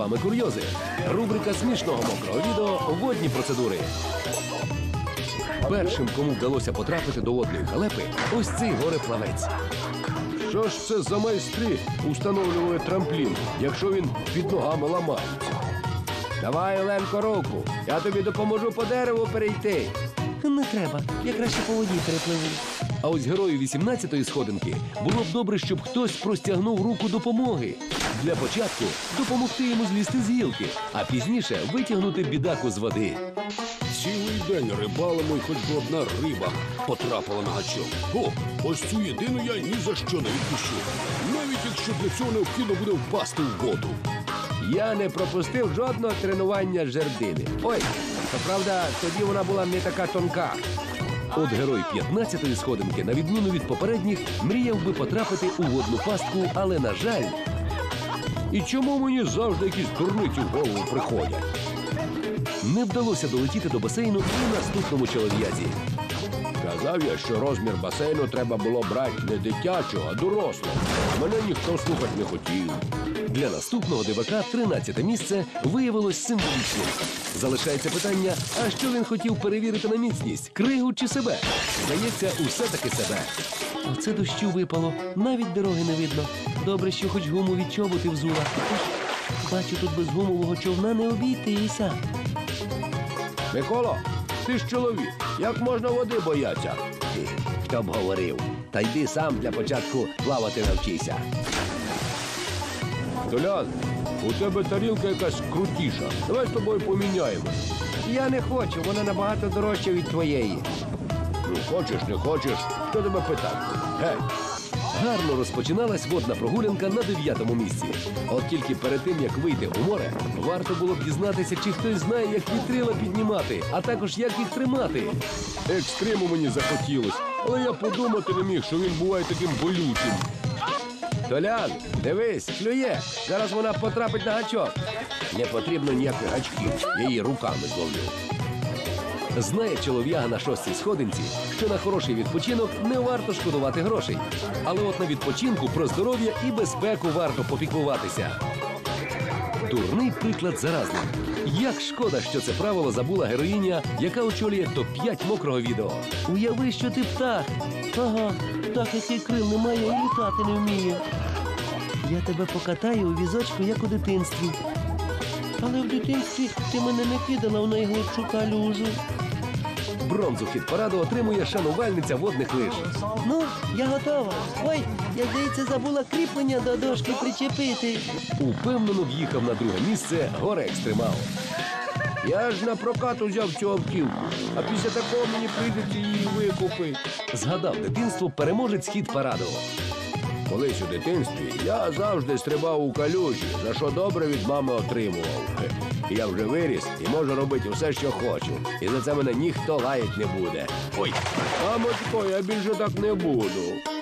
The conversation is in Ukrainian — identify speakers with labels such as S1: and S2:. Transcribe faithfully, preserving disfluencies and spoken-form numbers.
S1: вами курйози. Рубрика смішного мокрого відео «Водні процедури». Першим, кому вдалося потрапити до водної халепи, ось цей горе-плавець. Що ж це за майстри установлювали трамплін, якщо він під ногами ламається? Давай, Оленко, руку, я тобі допоможу по дереву перейти.
S2: Не треба, я краще по воді перепливу.
S1: А ось герою вісімнадцятої сходинки було б добре, щоб хтось простягнув руку допомоги. Для початку допомогти йому злізти з гілки, а пізніше витягнути бідаку з води.
S3: Цілий день рибалимо, і хоч би одна риба потрапила на гачок. О, ось цю єдину я ні за що не відпущу. Навіть якщо для цього необхідно буде впасти в воду.
S1: Я не пропустив жодного тренування з жердини. Ой, то правда, тоді вона була не така тонка. От герой п'ятнадцятої сходинки, на відміну від попередніх, мріяв би потрапити у водну пастку, але, на жаль... І чому мені завжди якісь дурниці в голову приходять? Не вдалося долетіти до басейну і наступному чолов'язі. Казав я, що розмір басейну треба було брати не дитячого, а дорослого. Мене ніхто слухати не хотів. Для наступного дивака тринадцяте місце виявилось символічним. Залишається питання, а що він хотів перевірити на міцність – кригу чи себе? Здається, усе-таки себе.
S2: Оце дощу випало, навіть дороги не видно. Добре, що хоч гуму від чоботи взула. Бачу, тут без гумового човна не обійтися.
S1: Миколо, ти ж чоловік, як можна води боятися? Хі, хто б говорив. Та йди сам для початку плавати навчися. Толян, у тебе тарілка якась крутіша. Давай з тобою поміняємо. Я не хочу, вона набагато дорожча від твоєї. Ну, хочеш, не хочеш, хто тебе питав? Гей! Гарно розпочиналась водна прогулянка на дев'ятому місці. От тільки перед тим, як вийти у море, варто було б дізнатися, чи хтось знає, як вітрила піднімати, а також як їх тримати. Екстриму мені захотілось, але я подумати не міг, що він буває таким болючим. Толян, дивись, клює. Зараз вона потрапить на гачок. Не потрібно ніяких гачків, я її руками зловлю. Знає чолов'яга на шостій сходинці, що на хороший відпочинок не варто шкодувати грошей. Але от на відпочинку про здоров'я і безпеку варто попіклуватися. Дурний приклад заразний. Як шкода, що це правило забула героїня, яка очолює топ п'ять мокрого відео.
S2: Уяви, що ти птах. Ага, птах, який крил не має і літати не вміє. Я тебе покатаю у візочку, як у дитинстві. Але в дитинстві ти мене не кидала в найглибшу калюжу.
S1: Бронзу хіт-параду отримує шанувальниця водних лиж.
S2: Ну, я готова. Ой, я, здається, забула кріплення до дошки причепити.
S1: Упевнено в'їхав на друге місце горе-екстремал. Я ж на прокат узяв цю автівку, а після такого мені прийдеться її викупити. Згадав дитинство переможець хіт-параду. Колись у дитинстві я завжди стрибав у калюжі, за що добре від мами отримував. Я вже виріс і можу робити все, що хочу. І за це мене ніхто лаять не буде. Ой, мамочко, я більше так не буду.